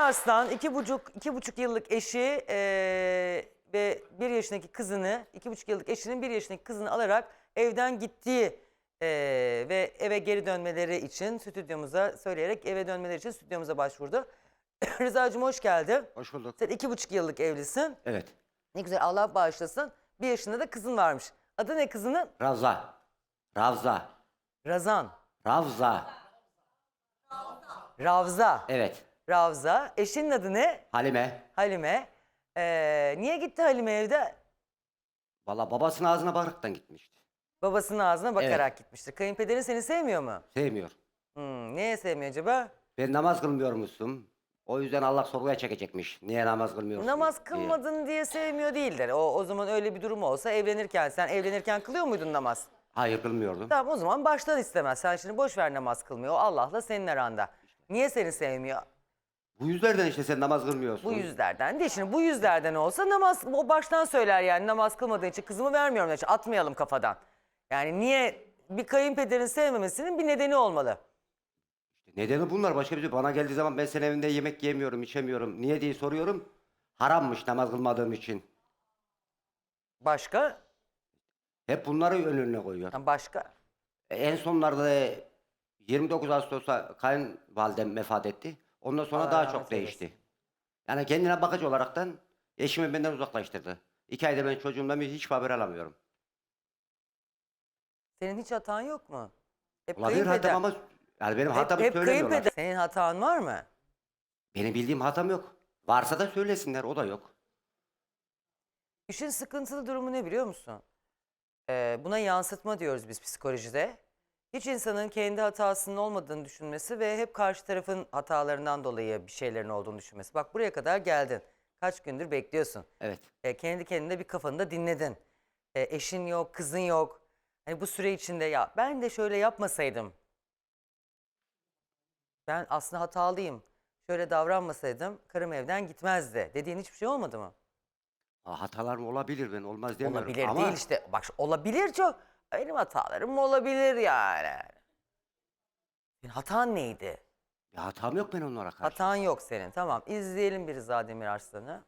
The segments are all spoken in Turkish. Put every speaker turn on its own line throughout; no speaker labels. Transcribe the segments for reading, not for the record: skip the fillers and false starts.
Arslan 2,5 yıllık eşi ve 1 yaşındaki kızını, 2,5 yıllık eşinin 1 yaşındaki kızını alarak evden gittiği ve eve geri dönmeleri için stüdyomuza söyleyerek eve dönmeleri için stüdyomuza başvurdu. Rıza'cığım hoş geldin.
Hoş bulduk.
Sen 2,5 yıllık evlisin.
Evet.
Ne güzel, Allah bağışlasın. 1 yaşında da kızın varmış. Adı ne kızının?
Ravza.
Razan. Ravza.
Evet.
Ravza. Eşinin adı ne?
Halime.
Halime. Niye gitti Halime evde?
Valla babasının ağzına bakaraktan gitmişti.
Babasının ağzına bakarak gitmiştir. Kayınpederin seni sevmiyor mu?
Sevmiyor.
Niye sevmiyor acaba?
Ben namaz kılmıyormuşsun. O yüzden Allah sorguya çekecekmiş. Niye namaz kılmıyorsun?
Namaz
diye.
kılmadın diye sevmiyor değildir. O zaman öyle bir durum olsa sen evlenirken kılıyor muydun namaz?
Hayır kılmıyordum.
Tamam, o zaman baştan istemez. Sen şimdi boş ver, namaz kılmıyor. O Allah'la senin aranda. Niye seni sevmiyor?
Bu yüzlerden işte sen namaz kılmıyorsun.
Bu yüzlerden değil. Şimdi bu yüzlerden olsa namaz, o baştan söyler yani, namaz kılmadığın için kızımı vermiyorum. Yani atmayalım kafadan. Yani niye, bir kayınpederin sevmemesinin bir nedeni olmalı.
Nedeni bunlar, başka bir şey. Bana geldiği zaman ben senin evinde yemek yemiyorum, içemiyorum. Niye diye soruyorum. Harammış namaz kılmadığım için.
Başka?
Hep bunları önüne koyuyor.
Başka?
En sonlarda 29 Ağustos'ta kayınvalidem vefat etti. Ondan sonra
Allah
daha
rahmet
çok değişti. Yani kendine bakıcı olaraktan eşimi benden uzaklaştırdı. 2 aydır ben çocuğumdan hiç haber alamıyorum.
Senin hiç hatan yok mu? Hep
Olabilir hatam ama yani benim hatamı
hep
söylemiyorlar.
kayınpeder. Senin hatan var mı?
Benim bildiğim hatam yok. Varsa da söylesinler, o da yok.
İşin sıkıntılı durumu ne biliyor musun? Buna yansıtma diyoruz biz psikolojide. Hiç insanın kendi hatasının olmadığını düşünmesi ve hep karşı tarafın hatalarından dolayı bir şeylerin olduğunu düşünmesi. Bak, buraya kadar geldin. Kaç gündür bekliyorsun.
Evet.
Kendi kendine bir kafanı da dinledin. Eşin yok, kızın yok. Hani bu süre içinde ya ben de şöyle yapmasaydım. Ben aslında hatalıyım. Şöyle davranmasaydım karım evden gitmezdi dediğin hiçbir şey olmadı mı?
Hatalarım olabilir, ben olmaz demiyorum.
Olabilir
ama
değil işte. Bak, olabilir çok. Benim hatalarım olabilir yani. Senin hatan neydi?
bir hatam yok ben onlara karşı.
Hatan yok senin. Tamam, izleyelim bir Rıza Demirarslan'ı.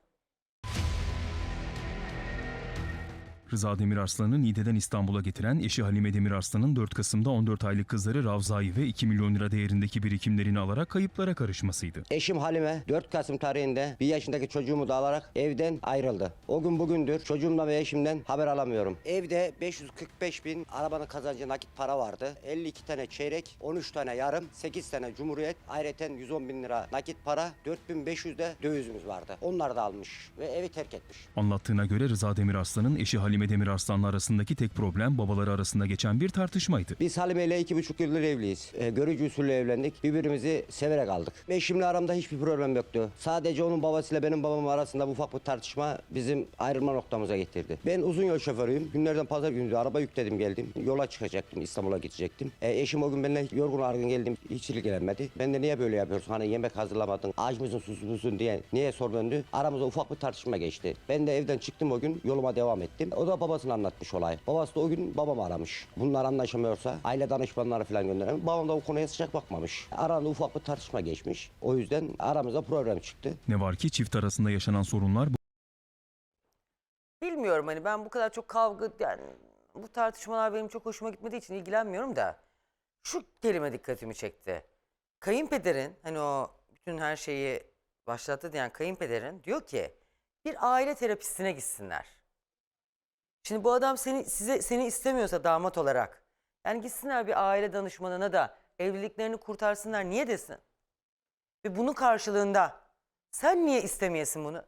Rıza Demirarslan'ı Niğde'den İstanbul'a getiren eşi Halime Demirarslan'ın 4 Kasım'da 14 aylık kızları Ravza'yı ve 2 milyon lira değerindeki birikimlerini alarak kayıplara karışmasıydı.
Eşim Halime 4 Kasım tarihinde 1 yaşındaki çocuğumu da alarak evden ayrıldı. O gün bugündür çocuğumdan ve eşimden haber alamıyorum. Evde 545 bin arabanın kazancı nakit para vardı. 52 tane çeyrek, 13 tane yarım, 8 tane cumhuriyet, ayrıca 110 bin lira nakit para, 4500 de dövizimiz vardı. Onları da almış ve evi terk etmiş.
Anlattığına göre Rıza Demirarslan'ın eşi Halime Demirarslan'la arasındaki tek problem babaları arasında geçen bir tartışmaydı.
Biz Halime ile 2,5 yıldır evliyiz. Görücü usulü evlendik. Birbirimizi severek aldık. Eşimle aramda hiçbir problem yoktu. Sadece onun babasıyla benim babam arasında ufak bir tartışma bizim ayrılma noktamıza getirdi. Ben uzun yol şoförüyüm. Günlerden pazar günü araba yükledim geldim. Yola çıkacaktım, İstanbul'a gidecektim. Eşim o gün benimle yorgun argın geldim. Hiç ilgilenmedi. Ben de niye böyle yapıyorsun? Hani yemek hazırlamadın, aç mısın, susuz musun diye niye sor döndü. Aramızda ufak bir tartışma geçti. Ben de evden çıktım o gün, yoluma devam ettim. O da babasına anlatmış olay. Babası da o gün babamı aramış. Bunlar anlaşamıyorsa aile danışmanları falan göndermiş. Babam da o konuya sıcak bakmamış. Arada ufak bir tartışma geçmiş. O yüzden aramıza problem çıktı.
Ne var ki çift arasında yaşanan sorunlar
Bilmiyorum, hani ben bu kadar çok kavga, yani bu tartışmalar benim çok hoşuma gitmediği için ilgilenmiyorum da şu kelime dikkatimi çekti. Kayınpederin, hani o bütün her şeyi başlattı diyen kayınpederin diyor ki bir aile terapistine gitsinler. Şimdi bu adam seni istemiyorsa damat olarak, yani gitsinler bir aile danışmanına da evliliklerini kurtarsınlar, niye desin? Ve bunun karşılığında sen niye istemeyesin bunu?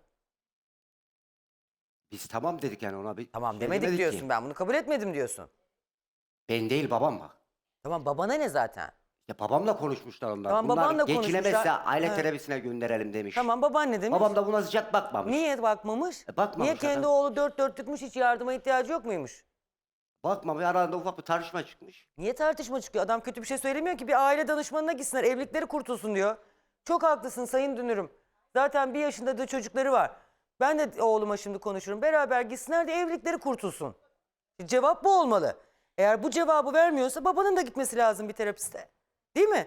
Biz tamam dedik yani ona.
Tamam
şey
demedik diyorsun,
ki.
ben bunu kabul etmedim diyorsun.
Ben değil, babam bak.
Tamam, babana ne zaten?
Ya babamla konuşmuşlar onlar.
Tamam,
Bunlar
babanla
geçinemezse
konuşmuşlar.
aile
Ha.
terapisine gönderelim demiş.
Tamam, baban ne demiş?
Babam da buna sıcak bakmamış.
Niye bakmamış?
Bakmamış
Niye kendi
adam.
oğlu dört dörtlükmüş, hiç yardıma ihtiyacı yok muymuş?
Bakmamış, aralarında ufak bir tartışma çıkmış.
Niye tartışma çıkıyor? Adam kötü bir şey söylemiyor ki, bir aile danışmanına gitsinler, evlilikleri kurtulsun diyor. Çok haklısın Sayın Dünürüm. Zaten 1 yaşında da çocukları var. Ben de oğluma şimdi konuşurum. Beraber gitsinler de evlilikleri kurtulsun. Cevap bu olmalı. Eğer bu cevabı vermiyorsa babanın da gitmesi lazım bir terapiste. Değil mi?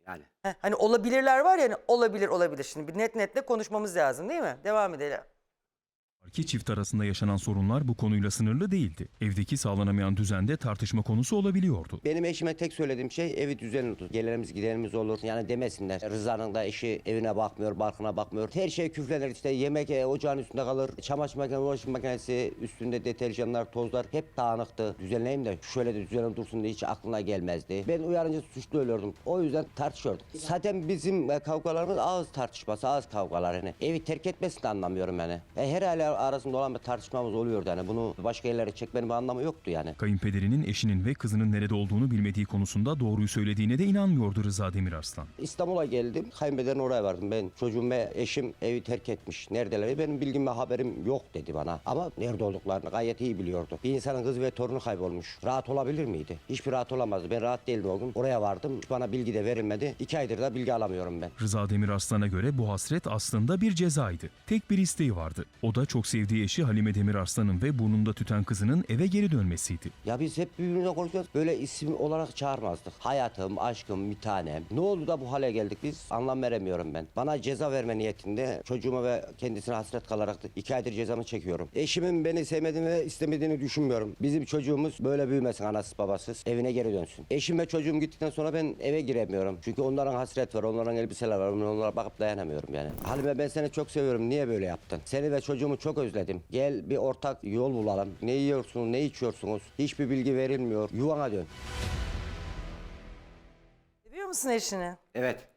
Yani.
Hani olabilirler var ya, hani olabilir. Şimdi bir netle konuşmamız lazım değil mi? Devam edelim.
Ki çift arasında yaşanan sorunlar bu konuyla sınırlı değildi. Evdeki sağlanamayan düzende tartışma konusu olabiliyordu.
Benim eşime tek söylediğim şey evi düzenli tut. Gelenimiz gidenimiz olur. Yani demesinler. Rıza'nın da eşi evine bakmıyor, barkına bakmıyor. Her şey küflenir işte. Yemek ocağın üstünde kalır. Çamaşır makinesi, bulaşık makinesi üstünde deterjanlar, tozlar hep dağınıktı. Düzenleyeyim de şöyle de düzenli dursun diye hiç aklına gelmezdi. Ben uyarınca suçlu oluyordum. O yüzden tartışıyorduk. Zaten bizim kavgalarımız ağız tartışması, ağız kavgalar yani. Evi terk etmesini de anlamıyorum yani. Her aile arasında olan bir tartışmamız oluyordu yani. Bunu başka yerlere çekmenin bir anlamı yoktu yani.
Kayınpederinin eşinin ve kızının nerede olduğunu bilmediği konusunda doğruyu söylediğine de inanmıyordu Rıza Demirarslan.
İstanbul'a geldim. Kayınpederin oraya vardım. Ben çocuğum ve eşim evi terk etmiş. Neredeler? Benim bilgim ve haberim yok dedi bana. Ama nerede olduklarını gayet iyi biliyordu. Bir insanın kızı ve torunu kaybolmuş. Rahat olabilir miydi? Hiçbir rahat olamazdı. Ben rahat değildim o gün. Oraya vardım. Bana bilgi de verilmedi. 2 aydır da bilgi alamıyorum ben.
Rıza Demirarslan'a göre bu hasret aslında bir cezaydı. Tek bir isteği vardı. O da çok sevdiği eşi Halime Demirarslan'ın ve burnunda tüten kızının eve geri dönmesiydi.
Ya biz hep birbirine konuşuyoruz. Böyle isim olarak çağırmazdık. Hayatım, aşkım, bir tanem. Ne oldu da bu hale geldik biz? Anlam veremiyorum ben. Bana ceza verme niyetinde çocuğuma ve kendisine hasret kalarak da 2 aydır cezamı çekiyorum. Eşimin beni sevmediğini ve istemediğini düşünmüyorum. Bizim çocuğumuz böyle büyümesin anasız babasız. Evine geri dönsün. Eşim ve çocuğum gittikten sonra ben eve giremiyorum. Çünkü onların hasret var, onların elbiseler var. Ben onlara bakıp dayanamıyorum yani. Halime ben seni çok seviyorum. Niye böyle yaptın? Seni ve çocuğumu çok özledim. Gel bir ortak yol bulalım. Ne yiyorsunuz, ne içiyorsunuz? Hiçbir bilgi verilmiyor. Yuvana dön.
Seviyor musun eşini?
Evet.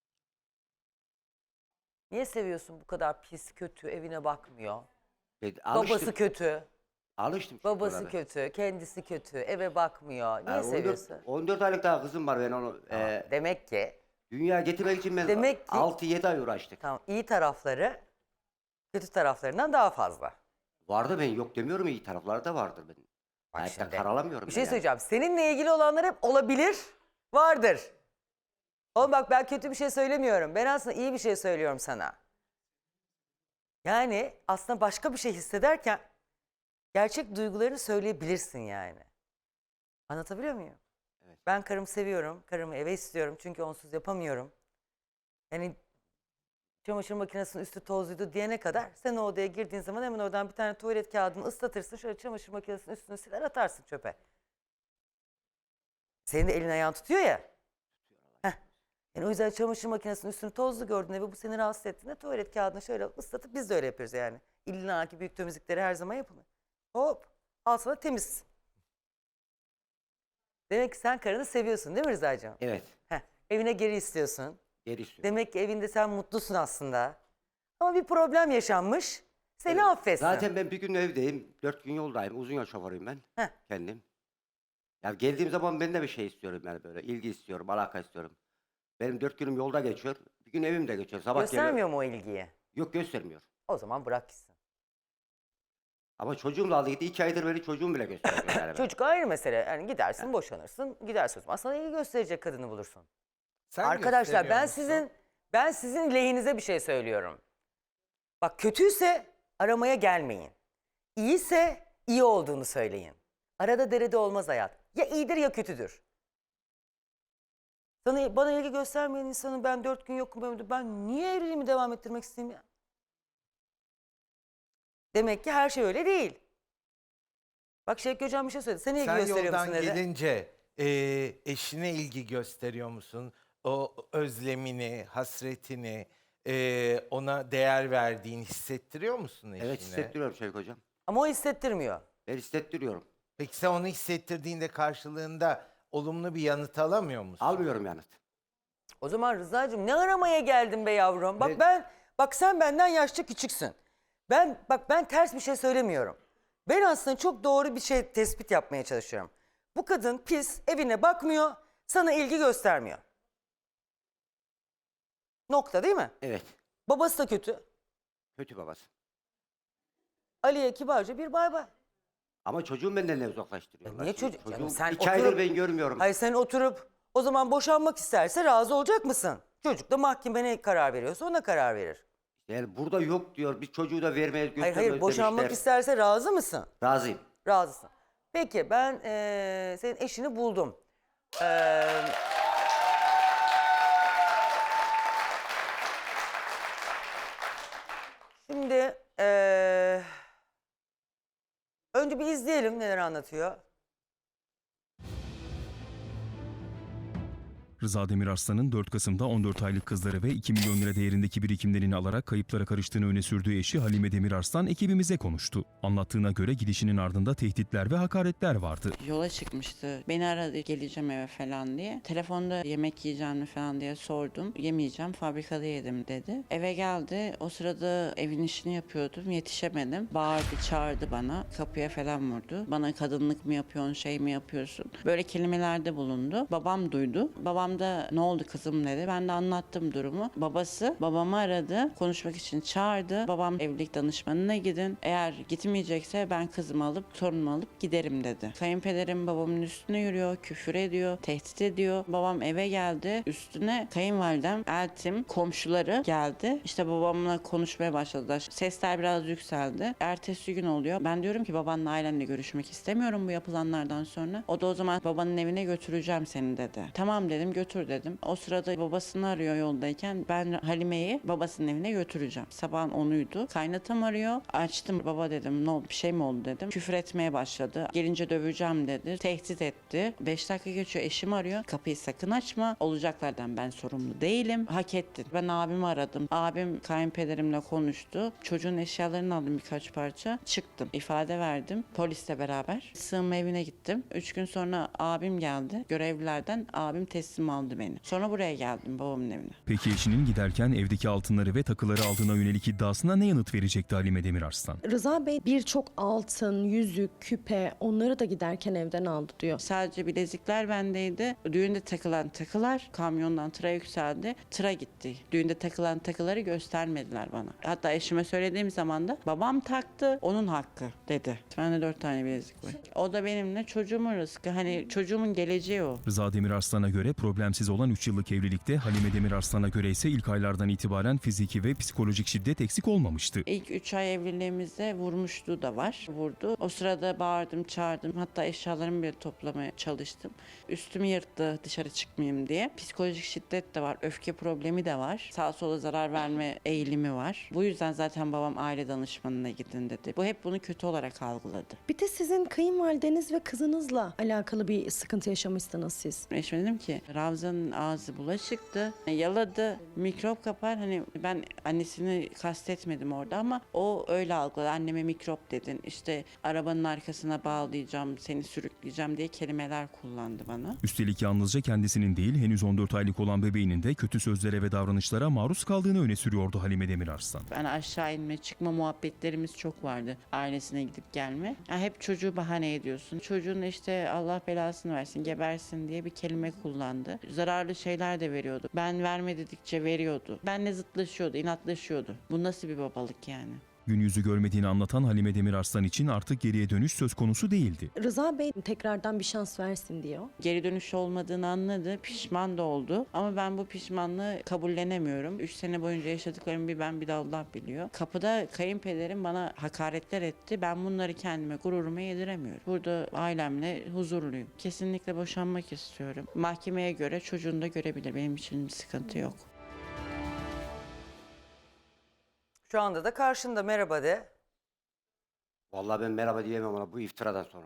Niye seviyorsun bu kadar pis, kötü, evine bakmıyor?
Alıştım.
Babası kötü,
Alıştım.
babası
şuralara.
kötü, kendisi kötü, eve bakmıyor. Niye
Yani
seviyorsun?
14 aylık daha kızım var ben onu.
Demek ki
Dünya getirmek için ben
Demek ki-
6-7 ay uğraştık.
tamam, iyi tarafları kötü taraflarından daha fazla.
Vardı ben yok demiyorum iyi tarafları da vardır benim.
Bak
Hayatta
şimdi,
karalamıyorum
bir
ben
şey
yani.
söyleyeceğim. Seninle ilgili olanlar hep olabilir, vardır. Oğlum bak, ben kötü bir şey söylemiyorum. Ben aslında iyi bir şey söylüyorum sana. Yani aslında başka bir şey hissederken gerçek duygularını söyleyebilirsin yani. Anlatabiliyor muyum?
Evet.
Ben karımı seviyorum. Karımı eve istiyorum. Çünkü onsuz yapamıyorum. Yani çamaşır makinesinin üstü tozluydu diyene kadar sen o odaya girdiğin zaman hemen oradan bir tane tuvalet kağıdını ıslatırsın. Şöyle çamaşır makinesinin üstünü siler atarsın çöpe. Senin de elin ayağın tutuyor ya. Heh. Yani o yüzden çamaşır makinesinin üstünü tozlu gördüğünde ve bu seni rahatsız ettiğinde tuvalet kağıdını şöyle ıslatıp biz de öyle yapıyoruz yani. İlla ki büyük temizlikleri her zaman yapılır. Hop, al sana temiz. Demek ki sen karını seviyorsun değil mi Rıza'cığım?
Evet.
Heh. Evine geri istiyorsun.
Geri istiyorum.
Demek ki evinde sen mutlusun aslında. Ama bir problem yaşanmış. Seni
Evet.
affetsin.
Zaten ben bir gün evdeyim. 4 gün yoldayım. Uzun yol şoförüyüm ben.
Heh.
Kendim. Ya geldiğim zaman ben de bir şey istiyorum yani böyle. İlgi istiyorum, alaka istiyorum. Benim 4 günüm yolda geçiyor. Bir gün evimde geçiyor. Sabah
Göstermiyor
geliyor.
mu o ilgiyi?
Yok göstermiyor.
O zaman bırak gitsin.
Ama çocuğum da aldı gitti. 2 aydır beni çocuğum bile göstermiyor yani. ben.
Çocuk ayrı mesele. Yani gidersin, boşanırsın, gidersin o zaman. Sana ilgi gösterecek kadını bulursun.
Sen
Arkadaşlar ben
gösteriyor musun?
sizin lehinize bir şey söylüyorum. Bak, kötüyse aramaya gelmeyin. İyiyse iyi olduğunu söyleyin. Arada derede olmaz hayat. Ya iyidir ya kötüdür. Bana ilgi göstermeyen insanı ben 4 gün yokum evimde. Ben niye evliliğimi devam ettirmek isteyeyim ya? Demek ki her şey öyle değil. Bak Şevki Hocam bir şey söyledi. Sen ilgi
Sen
gösteriyor
yoldan
musun dedi.
gelince eşine ilgi gösteriyor musun? O özlemini, hasretini, ona değer verdiğini hissettiriyor musun eşine?
Evet hissettiriyorum Şevik Hocam.
Ama o hissettirmiyor.
Ben hissettiriyorum.
Peki sen onu hissettirdiğinde karşılığında olumlu bir yanıt alamıyor musun?
Almıyorum yanıt.
O zaman Rıza'cığım ne aramaya geldin be yavrum? Bak
Ben-
bak sen benden yaşça küçüksün. Ben ters bir şey söylemiyorum. Ben aslında çok doğru bir şey tespit yapmaya çalışıyorum. Bu kadın pis, evine bakmıyor, sana ilgi göstermiyor. Nokta değil mi?
Evet.
Babası da kötü.
Kötü babası.
Ali'ye kibarca bir bay bay.
Ama çocuğum benden ne uzaklaştırıyorlar?
Niye
Şimdi
çocuk? Canım
çocuğum
sen
2 aydır
oturup-
ben görmüyorum.
Hayır, sen oturup o zaman boşanmak isterse razı olacak mısın? Çocuk da mahkeme ne karar veriyorsa ona karar verir.
Yani burada yok diyor. Biz çocuğu da vermeye
Hayır
göstermiyoruz
boşanmak
demişler.
isterse razı mısın?
Razıyım.
Razısın. Peki ben senin eşini buldum. Şimdi önce bir izleyelim neler anlatıyor.
Rıza Demirarslan'ın 4 Kasım'da 14 aylık kızları ve 2 milyon lira değerindeki birikimlerini alarak kayıplara karıştığını öne sürdüğü eşi Halime Demirarslan ekibimize konuştu. Anlattığına göre gidişinin ardında tehditler ve hakaretler vardı.
Yola çıkmıştı. Beni aradı geleceğim eve falan diye. Telefonda yemek yiyeceğim mi falan diye sordum. Yemeyeceğim, fabrikada yedim dedi. Eve geldi. O sırada evin işini yapıyordum. Yetişemedim. Bağırdı, çağırdı bana. Kapıya falan vurdu. Bana kadınlık mı yapıyorsun, şey mi yapıyorsun? Böyle kelimelerde bulundu. Babam duydu. Babam da ne oldu kızım dedi. Ben de anlattım durumu. Babası babamı aradı. Konuşmak için çağırdı. Babam evlilik danışmanına gidin. Eğer gitmeyecekse ben kızımı alıp torunumu alıp giderim dedi. Kayınpederim babamın üstüne yürüyor, küfür ediyor, tehdit ediyor. Babam eve geldi. Üstüne kayınvalidem, eltim, komşuları geldi. İşte babamla konuşmaya başladılar. Sesler biraz yükseldi. Ertesi gün oluyor. Ben diyorum ki babanla ailenle görüşmek istemiyorum bu yapılanlardan sonra. O da o zaman babanın evine götüreceğim seni dedi. Tamam dedim, götür dedim. O sırada babasını arıyor yoldayken ben Halime'yi babasının evine götüreceğim. Sabahın 10'uydu. Kaynatam arıyor. Açtım, baba dedim, ne oldu, bir şey mi oldu dedim. Küfür etmeye başladı. Gelince döveceğim dedi. Tehdit etti. 5 dakika geçiyor, eşim arıyor. Kapıyı sakın açma. Olacaklardan ben sorumlu değilim. Hak ettin. Ben abimi aradım. Abim kayınpederimle konuştu. Çocuğun eşyalarını aldım birkaç parça. Çıktım. İfade verdim. Polisle beraber. Sığınma evine gittim. 3 gün sonra abim geldi. Görevlilerden abim teslim aldı beni. Sonra buraya geldim babamın evine.
Peki eşinin giderken evdeki altınları ve takıları aldığına yönelik iddiasına ne yanıt verecekti Halime Demirarslan?
Rıza Bey birçok altın, yüzük, küpe onları da giderken evden aldı diyor.
Sadece bilezikler bendeydi. Düğünde takılan takılar kamyondan tıra yükseldi. Tıra gitti. Düğünde takılan takıları göstermediler bana. Hatta eşime söylediğim zaman da babam taktı, onun hakkı dedi. Bende 4 tane bilezik var. O da benimle çocuğumun rızkı. Hani çocuğumun geleceği o.
Rıza Demirarslan'a göre problemsiz olan 3 yıllık evlilikte, Halime Demirarslan'a göre ise ilk aylardan itibaren fiziki ve psikolojik şiddet eksik olmamıştı.
İlk 3 ay evliliğimizde vurmuşluğu da var. Vurdu. O sırada bağırdım, çağırdım. Hatta eşyalarımı bile toplamaya çalıştım. Üstümü yırttı dışarı çıkmayayım diye. Psikolojik şiddet de var. Öfke problemi de var. Sağa sola zarar verme eğilimi var. Bu yüzden zaten babam aile danışmanına gidin dedi. Bu hep bunu kötü olarak algıladı.
Bir de sizin kayınvalideniz ve kızınızla alakalı bir sıkıntı yaşamışsınız siz.
Eşime dedim ki Ravza'nın ağzı bulaşıktı. Yaladı. Mikrop kapar. Hani ben annesini kastetmedim orada ama o öyle algıladı. Anneme mikrop dedin. İşte arabanın arkasına bağlayacağım, seni sürükleyeceğim diye kelimeler kullandı bana.
Üstelik yalnızca kendisinin değil, henüz 14 aylık olan bebeğinin de kötü sözlere ve davranışlara maruz kaldığını öne sürüyordu Halime Demirarslan.
Ben aşağı inme çıkma muhabbetlerimiz çok vardı. Ailesine gidip gelme. Ya hep çocuğu bahane ediyorsun. Çocuğun işte Allah belasını versin, gebersin diye bir kelime kullandı. Zararlı şeyler de veriyordu. Ben verme dedikçe veriyordu. Benle zıtlaşıyordu, inatlaşıyordu. Bu nasıl bir babalık yani?
Gün yüzü görmediğini anlatan Halime Demirarslan için artık geriye dönüş söz konusu değildi.
Rıza Bey tekrardan bir şans versin diyor.
Geri dönüş olmadığını anladı. Pişman da oldu. Ama ben bu pişmanlığı kabullenemiyorum. 3 sene boyunca yaşadıklarımı bir ben bir de Allah biliyor. Kapıda kayınpederim bana hakaretler etti. Ben bunları kendime, gururuma yediremiyorum. Burada ailemle huzurluyum. Kesinlikle boşanmak istiyorum. Mahkemeye göre çocuğunu da görebilir. Benim için bir sıkıntı yok.
Şu anda da karşında, merhaba de.
Vallahi ben merhaba diyemem ona bu iftiradan sonra.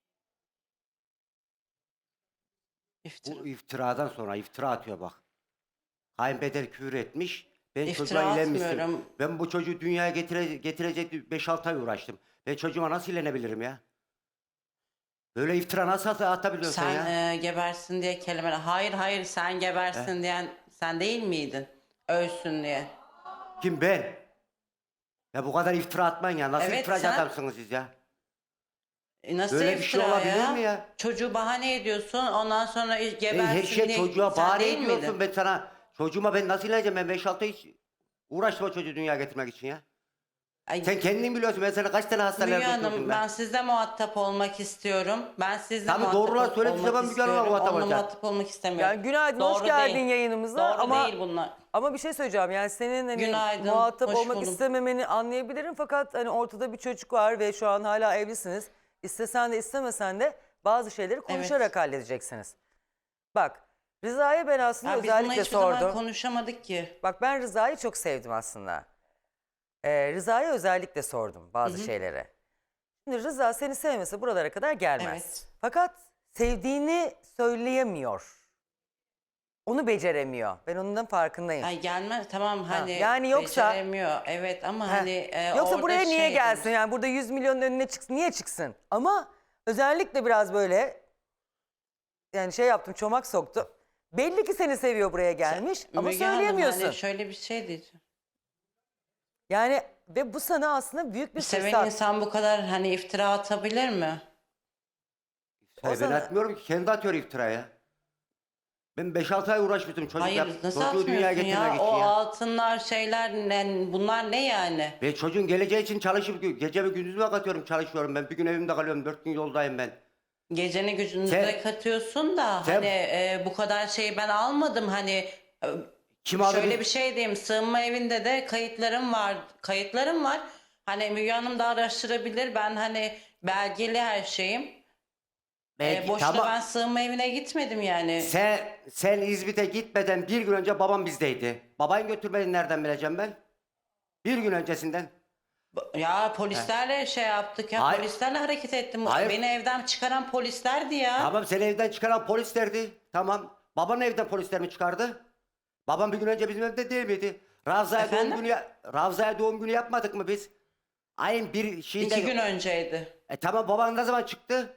İftira.
Bu iftiradan sonra iftira atıyor bak. Kayınpeder küfür etmiş. Ben
İftira
çocuğa ilenmiştim.
atmıyorum.
Ben bu çocuğu dünyaya getirecek 5-6 ay uğraştım. Ben çocuğuma nasıl ilenebilirim ya? Böyle iftira nasıl atabiliyorsun sen ya?
Sen gebersin diye kelimeler. Hayır sen gebersin diyen sen değil miydin? Ölsün diye.
Kim ben? Ya bu kadar iftira atmayın ya. Nasıl
Evet,
iftiracı
sen-
adamsınız siz ya?
Nasıl
Böyle bir şey
iftira
olabilir mi ya?
Çocuğu bahane ediyorsun ondan sonra gebersin
Her şey
diye.
çocuğa
Sen
bahane
değil
ediyorsun.
miydin?
Ben sana çocuğuma ben nasıl ileneceğim? Ben 5-6 ay hiç uğraştım o çocuğu dünyaya getirmek için ya.
Ay,
Sen kendin biliyorsun. Ben sana kaç tane hastaneler
Müge
götürdüm
Hanım
ben.
ben sizle muhatap olmak istiyorum. Ben sizle
Tabii
muhatap
doğrular söylediği
olmak
zaman Müge Hanım'a
istiyorum.
muhatap
Onunla
olacak.
muhatap olmak istemiyorum.
Yani günaydın, hoş
Doğru
geldin
değil.
yayınımıza.
Doğru
ama
değil bunlar.
Ama bir şey söyleyeceğim, yani senin hani
Günaydın,
muhatap
hoş
olmak
buldum.
istememeni anlayabilirim, fakat hani ortada bir çocuk var ve şu an hala evlisiniz. İstesen de istemesen de bazı şeyleri konuşarak halledeceksiniz. Bak, Rıza'ya ben aslında
Ya biz bununla
özellikle
hiçbir zaman
sordum.
konuşamadık ki.
Bak, ben Rıza'yı çok sevdim aslında. Rıza'ya özellikle sordum bazı şeylere. Şimdi Rıza seni sevmese buralara kadar gelmez.
Evet.
Fakat sevdiğini söyleyemiyor. Onu beceremiyor. Ben onun da farkındayım.
Ay gelmez tamam hani
yani yoksa-
beceremiyor evet ama
Heh.
hani
Yoksa
orada
buraya niye
şey
gelsin?
demiş,
Yani burada 100 milyonun önüne çıksın. Niye çıksın? Ama özellikle biraz böyle yani şey yaptım, çomak soktum. Belli ki seni seviyor, buraya gelmiş ama
Müge Hanım,
söyleyemiyorsun.
Hani şöyle bir şey diyeceğim.
Yani ve bu sana aslında büyük bir
Seven
fırsat.
insan bu kadar hani iftira atabilir mi?
Ben
sana-
atmıyorum ki, kendi atıyor iftiraya. Ben 5-6 ay uğraşmıştım çocuk
Hayır nasıl
çocuğu dünyaya
atmıyorsun
getirmek
ya?
için
O
ya.
altınlar şeyler bunlar ne yani?
Ve çocuğun geleceği için çalışıp gece ve gündüzüme katıyorum, çalışıyorum ben. Bir gün evimde kalıyorum, 4 gün yoldayım ben.
Geceni gücünü
Sen-
de katıyorsun da
sen-
hani bu kadar şeyi ben almadım hani
Kim aldı
şöyle
biz-
bir şey diyeyim, sığınma evinde de kayıtlarım var. Hani Müge Hanım da araştırabilir, ben hani belgeli her şeyim.
Belki-
Boşuna
tamam.
ben sığınma evine gitmedim yani.
Sen İzmit'e gitmeden bir gün önce babam bizdeydi. Babayı götürmedin, nereden bileceğim ben? Bir gün öncesinden.
Ya polislerle şey yaptık ya,
Hayır.
polislerle hareket ettim.
Hayır.
Beni evden çıkaran polislerdi ya.
Tamam, seni evden çıkaran polislerdi. Tamam. Babanın evden polisler mi çıkardı? Babam bir gün önce bizim evde değil miydi?
Efendim?
Ravza'ya doğum günü yapmadık mı biz? Ayın bir şeyinde...
2 gün önceydi.
Tamam, baban ne zaman çıktı?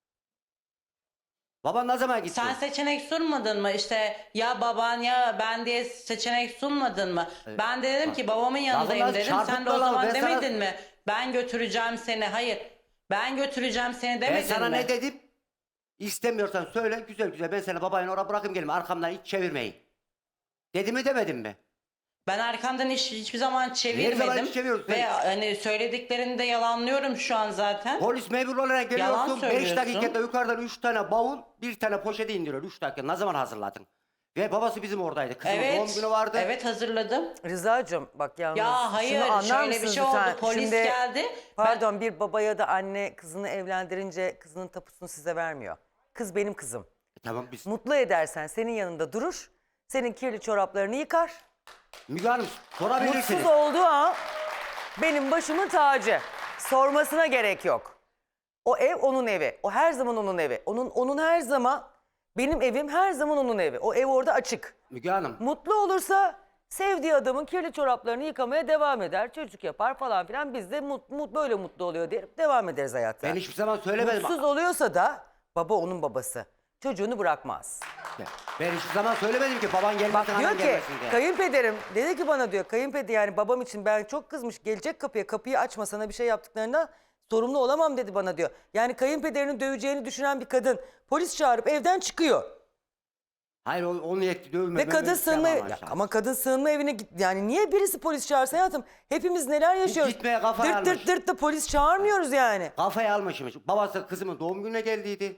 Baban ne zaman gitti?
Sen seçenek sunmadın mı? İşte ya baban ya ben diye seçenek sunmadın mı? Ben de dedim ki babamın yanındayım
Lafı
dedim. Sen de
çarpıtma
o
lan,
zaman
ben sana-
demedin mi? Ben götüreceğim seni. Hayır. Ben götüreceğim seni
Ben
demedin
sana
mi?
ne dedim? İstemiyorsan söyle, güzel güzel ben seni babayla oraya bırakayım, gelin arkamdan hiç çevirmeyin. Dedi mi demedim mi?
Ben arkandan hiçbir zaman çevirmedim.
zaman hiç çeviriyorsun?
Ve hani söylediklerini de yalanlıyorum şu an zaten.
Polis memuru olarak
Yalan
geliyorsun, 5
söylüyorsun.
dakikada yukarıdan 3 tane bavul, 1 tane poşete indiriyor. 3 dakika ne zaman hazırladın? Ve babası bizim oradaydı. Kızımın doğum günü vardı.
Evet hazırladım.
Rıza'cığım bak yalnız
Ya hayır
şunu anlar
şöyle bir
mısınız
şey oldu.
lütfen?
Polis
Şimdi,
geldi.
Pardon, bir baba ya da anne kızını evlendirince kızının tapusunu size vermiyor. Kız benim kızım.
Tamam biz.
Mutlu edersen senin yanında durur. Senin kirli çoraplarını yıkar.
Müge Hanım sorabilirsiniz.
Mutsuz olduğu an benim başımın tacı. Sormasına gerek yok. O ev onun evi. O her zaman onun evi. Onun her zaman, benim evim her zaman onun evi. O ev orada açık.
Müge Hanım.
Mutlu olursa sevdiği adamın kirli çoraplarını yıkamaya devam eder. Çocuk yapar falan filan. Biz de böyle mutlu oluyor diye devam ederiz hayata.
Ben hiçbir zaman söylemedim.
Mutsuz oluyorsa da baba onun babası. Çocuğunu bırakmaz.
Ben hiçbir zaman söylemedim ki baban gelmesin,
Bak diyor
anan
ki
gelmesin diye.
kayınpederim dedi ki bana diyor, kayınpeder yani babam için ben çok kızmış, gelecek kapıyı açma, sana bir şey yaptıklarında sorumlu olamam dedi bana diyor. Yani kayınpederini döveceğini düşünen bir kadın polis çağırıp evden çıkıyor.
Hayır onu yetti dövme.
Ve kadın sığınma ama kadın sığınma evine git, yani niye birisi polis çağırsa hayatım, hepimiz neler yaşıyoruz.
Gitmeye kafayı
dırt
almış.
dırt dırt da polis çağırmıyoruz yani.
Kafayı almışmış. Babası kızımın doğum gününe geldiydi.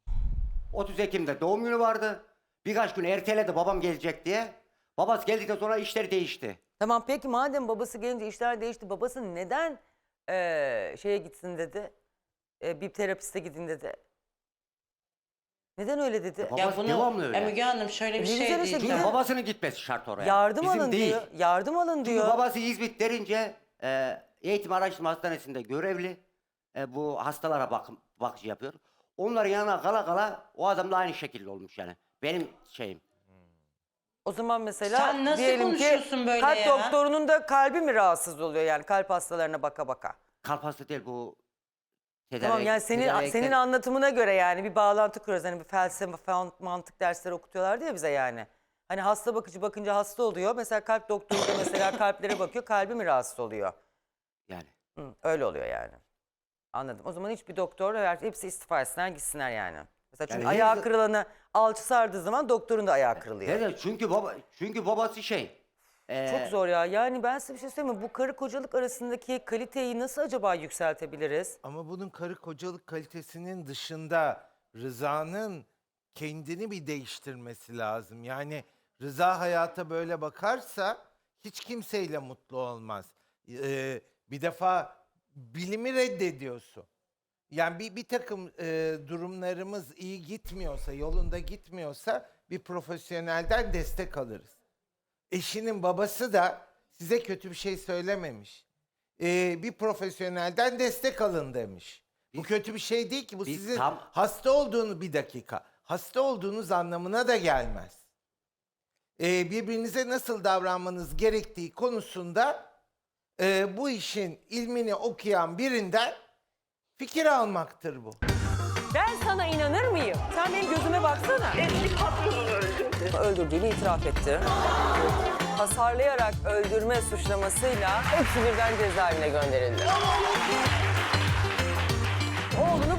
30 Ekim'de doğum günü vardı. Birkaç gün erteledi babam gelecek diye. Babası geldikten sonra işler değişti.
Tamam peki madem babası gelince işler değişti, babası neden şeye gitsin dedi, bir terapiste gidin dedi. Neden öyle dedi?
Baba-
Ya
Babası
bunu
devamlı öyle.
Müge Hanım şöyle bir
Ne
şey
güzel işte,
diyeceğim.
gidin.
Çünkü babasının gitmesi şart oraya.
Yardım
Bizim
alın
değil.
diyor. Yardım alın
Çünkü
diyor.
babası İzmit derince eğitim araştırma hastanesinde görevli. Bu hastalara bakıcı yapıyor. Onların yanına kala kala o adam da aynı şekilde olmuş yani. Benim şeyim.
O zaman mesela
Sen nasıl
diyelim ki
konuşuyorsun böyle
kalp
ya?
doktorunun da kalbi mi rahatsız oluyor, yani kalp hastalarına baka baka?
Kalp hastası değil bu.
Tamam yani senin anlatımına göre yani bir bağlantı kuruyoruz. Hani bir felsefe falan mantık dersleri okutuyorlardı ya bize yani. Hani hasta bakıcı bakınca hasta oluyor. Mesela kalp doktoru da mesela kalplere bakıyor. Kalbi mi rahatsız oluyor?
Yani.
Hı, öyle oluyor yani. Anladım. O zaman hiçbir doktor, hepsi istifa etsinler gitsinler yani. Mesela çünkü
Yani
ayağı
henüz-
kırılanı alçı sardığı zaman doktorun da ayağı kırılıyor.
Evet, çünkü babası şey.
Çok zor ya. Yani ben size bir şey söyleyeyim mi? Bu karı kocalık arasındaki kaliteyi nasıl acaba yükseltebiliriz?
Ama bunun karı kocalık kalitesinin dışında Rıza'nın kendini bir değiştirmesi lazım. Yani Rıza hayata böyle bakarsa hiç kimseyle mutlu olmaz. Bir defa bilimi reddediyorsun. Yani bir takım durumlarımız iyi gitmiyorsa, yolunda gitmiyorsa bir profesyonelden destek alırız. Eşinin babası da size kötü bir şey söylememiş. bir profesyonelden destek alın demiş. Bu kötü bir şey değil ki. Bu
biz
sizin
tam-
hasta olduğunu hasta olduğunuz anlamına da gelmez. Birbirinize nasıl davranmanız gerektiği konusunda bu işin ilmini okuyan birinden fikir almaktır bu.
Ben sana inanır mıyım? Sen benim gözüme baksana.
Eski patronunu öldürdü.
Öldürdüğünü itiraf etti. Hasarlayarak öldürme suçlamasıyla hepsi birden cezaevine gönderildi. Oğlunu